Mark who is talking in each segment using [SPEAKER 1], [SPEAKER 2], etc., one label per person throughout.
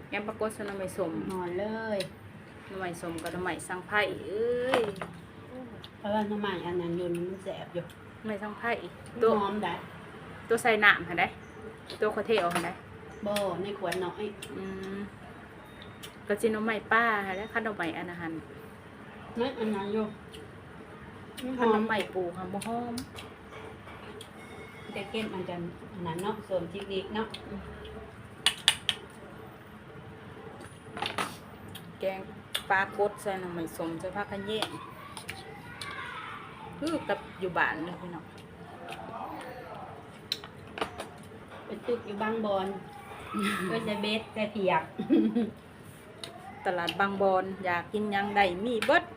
[SPEAKER 1] แกงปลากดใส่หน่อไม้สม
[SPEAKER 2] นอนเลย
[SPEAKER 1] หน่อไม้สมกับหน่อไม้สังไผ่เอ้ย
[SPEAKER 2] เพราะว่าน้ำมันอันนั้นอยู่มันแสบอยู่
[SPEAKER 1] หน่อไม้สังไผ่
[SPEAKER 2] ตั
[SPEAKER 1] ตัว ว
[SPEAKER 2] หอมได้
[SPEAKER 1] ตัวใส่น้ำหั่นได้ตัวคาเทลหั่นได้
[SPEAKER 2] บ่ในขวดน้อย
[SPEAKER 1] อืมก็สิหน่อไม้ป้าหั่นได้คันหน่อไม้อันนั้นหั่น
[SPEAKER 2] นั่นอันนั้นอยู่มันห
[SPEAKER 1] คัน
[SPEAKER 2] อ
[SPEAKER 1] หน่อ
[SPEAKER 2] ม
[SPEAKER 1] ไม้ปลูกค่ะบ่หอม
[SPEAKER 2] แต่เก็บมันจะอันนั้นเนาะเสริมจิกดิกเนาะ
[SPEAKER 1] แกงปลากดใส่หน่อไม้สมใส่ผักกะแยงคือกับอยู่บ้านเลยพี่น้อง
[SPEAKER 2] ไปตึกอยู่บางบอนก็จะเบ็ดแต่เปียก
[SPEAKER 1] ตลาดบางบอนอยากกินหยังได้มีเบิด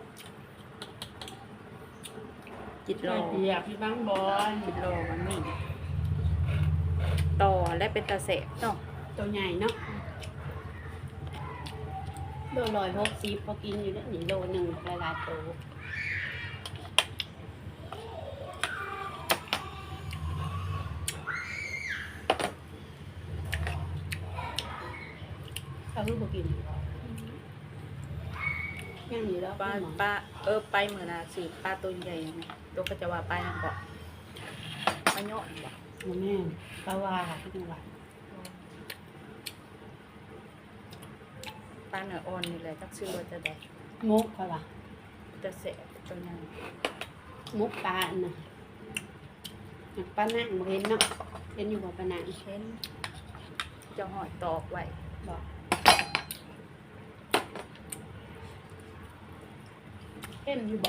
[SPEAKER 1] จิตร
[SPEAKER 2] แต่
[SPEAKER 1] อ
[SPEAKER 2] เปียกที่บางบอน
[SPEAKER 1] จิตรอมันมีต่อและเป็นตาแสบเนาะ
[SPEAKER 2] ตัวใหญ่เนาะโล160พอกินอยู่ได้หนีโลหนึ่งหลายๆตัวเขาคือพอกินยังอยู่แล้ว
[SPEAKER 1] ปลาไปเหมือนน่ะสืบปลาตัวใหญ่ไหมตัวก็จะว่าปลายังเกาะปลาเนาะบ่
[SPEAKER 2] แม่ปลาว่าที่จังหวัด
[SPEAKER 1] ปลาเนื้ออ่อนนี่แหละจักชื่อว่าจะได้
[SPEAKER 2] มุกเขาล่ะ
[SPEAKER 1] จะแสบตัวใหญ่
[SPEAKER 2] มุกปลาอันน่ะปลาหนังบ่เห็นเนาะเห็นอยู่บ่ปลาหนัง
[SPEAKER 1] เช่นจะหอยตอกไว้
[SPEAKER 2] บอกเห็นอยู่บ่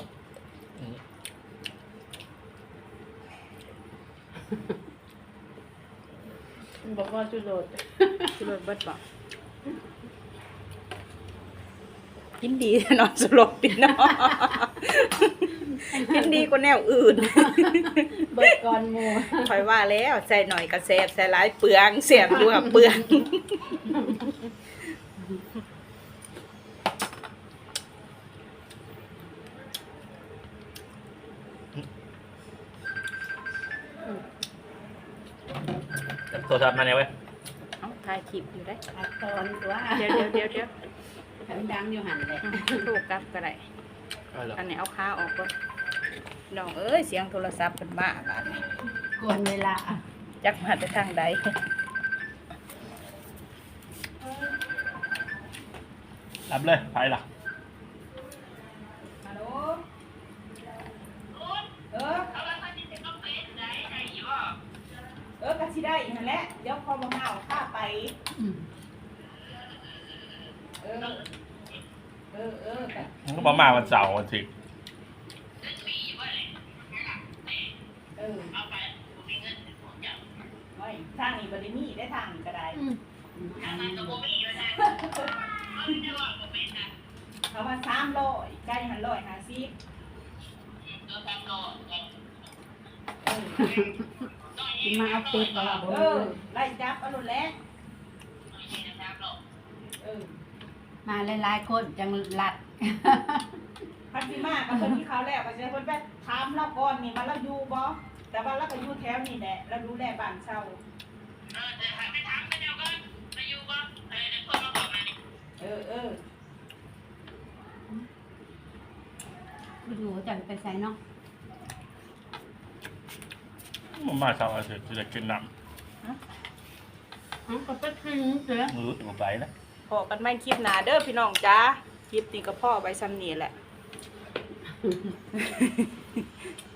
[SPEAKER 2] มันบอกว่าจุดโดด
[SPEAKER 1] ชื่อรสเบิดบ่กินดีเนาะสลบดีเนาะกินดีกว่าแนวอื่น
[SPEAKER 2] เบิดก่อนหมู
[SPEAKER 1] คอยว่าแล้วใส่หน่อยก็แสบใส่หลายเปลืองเสียบอยู่กับเปลือง
[SPEAKER 3] โทรศัพท์มาเนี่ยเว้ย
[SPEAKER 1] เอ้าถ่ายคลิปอยู่ได้
[SPEAKER 2] อัดตอนตัว
[SPEAKER 1] เดี๋ยว
[SPEAKER 2] มันดังอยู่หันเลย
[SPEAKER 1] ถูกกลับก็ได้
[SPEAKER 3] เอาเหรอ
[SPEAKER 1] อันนี้เอาขาออกก่อนน้องเอ้ยเสียงโทรศัพท์เป็นบ้าบาดนี้
[SPEAKER 2] กวนเวลา
[SPEAKER 1] จักมาแต่ทางใด
[SPEAKER 3] รับเลยไปล่ะ
[SPEAKER 1] ฮัลโหลก็สิได้นั่นแหละเดี๋ยวพอบ่มาเอาข้าไป เออกัน
[SPEAKER 3] มันก็มาวันเสาร์วันอาทิตย์
[SPEAKER 1] ไว้ทางนี้บ่ได้มีได้ทางนี้ก็ได้เขาว่า300ใกล้หัน150
[SPEAKER 2] กินมาเอาเป็ดบ่ล่ะบ่
[SPEAKER 1] ไล่จับเอาโลดแล้ว
[SPEAKER 2] มาหลายๆคนจังหลัด
[SPEAKER 1] พันธิมากับเพิ่นที่เขาแล้วก็จะเพิ่นไปถามเราก่อนนี่ว่าเราอยู่บ่แต่ว่าเราก็อยู่แถวนี่แหละเราดูแลบ้านเช่าเออ
[SPEAKER 2] บ่อยู่จังไปใส่เนาะ
[SPEAKER 3] มันมาเสาร์อาทิตย์จะกินน้
[SPEAKER 2] ก็ไปกินเด้อ
[SPEAKER 3] ำมืออยู่ไปนะ
[SPEAKER 1] พอกันไม่คลิปหนาเด้อพี่น้องจ้าคลิปนี้ก็พ่อไว้ซ้ำนี่แหละ